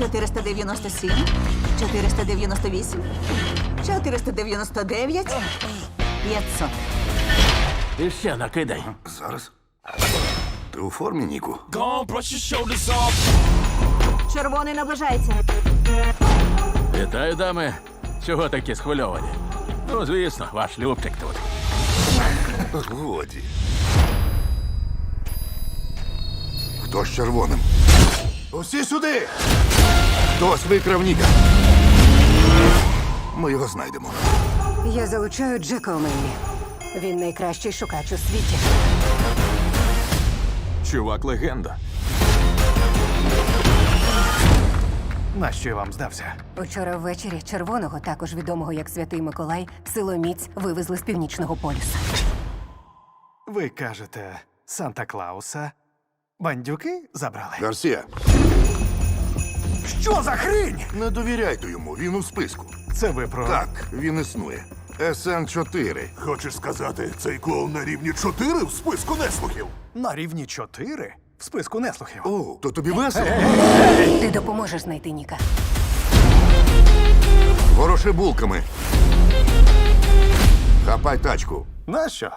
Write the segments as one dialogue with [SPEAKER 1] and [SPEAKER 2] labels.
[SPEAKER 1] 497, 498, 499, 500.
[SPEAKER 2] І ще накидай.
[SPEAKER 3] Зараз. Ти у формі, Ніку?
[SPEAKER 4] Gone, brush your shoulders off.
[SPEAKER 1] Червоний наближається.
[SPEAKER 2] Вітаю, дами. Чого такі схвильовані? Ну, звісно, ваш Любчик тут.
[SPEAKER 3] Годі. Хто з червоним? Усі сюди! Хтось викрав Ніка. Ми його знайдемо.
[SPEAKER 5] Я залучаю Джека Омені. Він найкращий шукач у світі.
[SPEAKER 4] Чувак легенда.
[SPEAKER 6] Нащо я вам здався?
[SPEAKER 5] Учора ввечері червоного, також відомого як Святий Миколай, силоміць вивезли з північного полюса.
[SPEAKER 6] Ви кажете, Санта-Клауса бандюки забрали?
[SPEAKER 3] Гарсія,
[SPEAKER 6] Що за хрінь?
[SPEAKER 3] не довіряйте йому, він у списку.
[SPEAKER 6] Це ви про...
[SPEAKER 3] Так, він існує. СН-4.
[SPEAKER 7] Хочеш сказати, цей клоун на рівні 4 в списку неслухів?
[SPEAKER 6] На рівні 4 в списку неслухів.
[SPEAKER 3] О, то тобі весело?
[SPEAKER 5] Ти допоможеш знайти Ніка.
[SPEAKER 3] Вороши булками. Хапай тачку.
[SPEAKER 6] Нащо?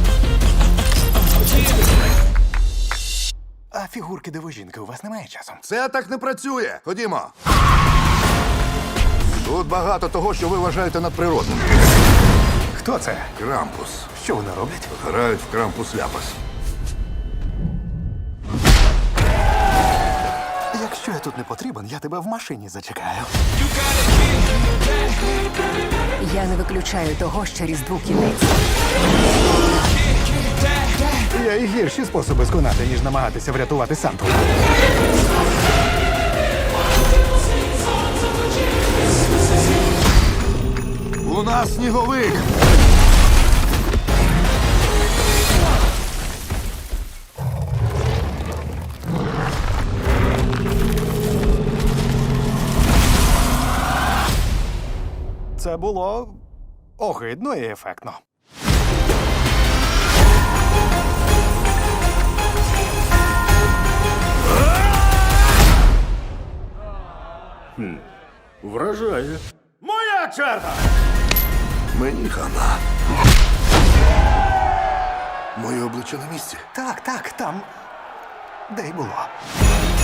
[SPEAKER 6] А фігурки дивожінки у вас немає часом?
[SPEAKER 3] Це так не працює. Ходімо. Тут багато того, що ви вважаєте надприродним.
[SPEAKER 6] Хто це?
[SPEAKER 3] Крампус.
[SPEAKER 6] Що вони роблять?
[SPEAKER 3] Грають в крампус-ляпас.
[SPEAKER 6] Якщо я тут не потрібен, я тебе в машині зачекаю.
[SPEAKER 5] Я не виключаю того, що Різдву кінець.
[SPEAKER 6] Є і гірші способи сконати, ніж намагатися врятувати Санту.
[SPEAKER 3] У нас сніговик.
[SPEAKER 6] Це було огидно і ефектно.
[SPEAKER 2] Вражає.
[SPEAKER 4] Моя черга!
[SPEAKER 3] Мені хана. Моє обличчя на місці.
[SPEAKER 6] Так, там. Де й було.